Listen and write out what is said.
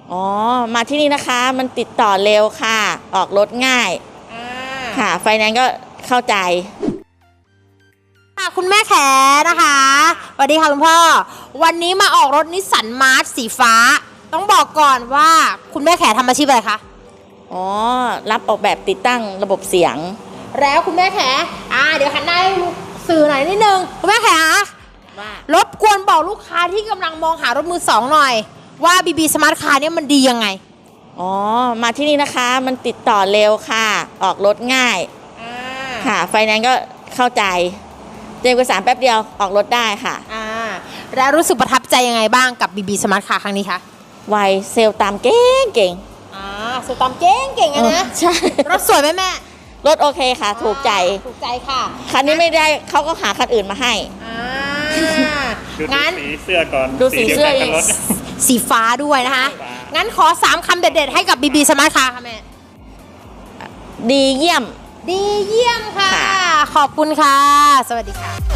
อ๋อมาที่นี่นะคะมันติดต่อเร็วค่ะออกรถง่ายค่ะไฟแนนซ์ก็เข้าใจค่ะคุณแม่แขนะคะสวัสดีค่ะคุณพ่อวันนี้มาออกรถนิสสันมาร์ชสีฟ้าต้องบอกก่อนว่าคุณแม่แขทำอาชีพอะไรคะอ๋อรับออกแบบติดตั้งระบบเสียงแล้วคุณแม่แขเดี๋ยวหันหน้าให้สื่อหน่อยนิดนึงคุณแม่แขว่ารบกวนบอกลูกค้าที่กำลังมองหารถมือสองหน่อยว่า BB Smart Car เนี่ยมันดียังไงอ๋อมาที่นี่นะคะมันติดต่อเร็วค่ะออกรถง่ายค่ะไฟแนนซ์ก็เข้าใจเตรียมเอกสารแป๊บเดียวออกรถได้ค่ะแล้วรู้สึกประทับใจยังไงบ้างกับ BB Smart Car ครั้งนี้คะไวเซลตามเก่งเก่งสุดตามเก่งนะใช่รถสวยไหมแม่รถโอเคค่ะถูกใจค่ะคันนี้ไม่ได้เขาก็หาคันอื่นมาให้งั้นสีเสื้อก่อนดูสีเสื้อสีฟ้าด้วยนะคะงั้นขอ3คำเด็ดๆให้กับ BB Smart Car ค่ะแม่ดีเยี่ยมดีเยี่ยมค่ะขอบคุณค่ะสวัสดีค่ะ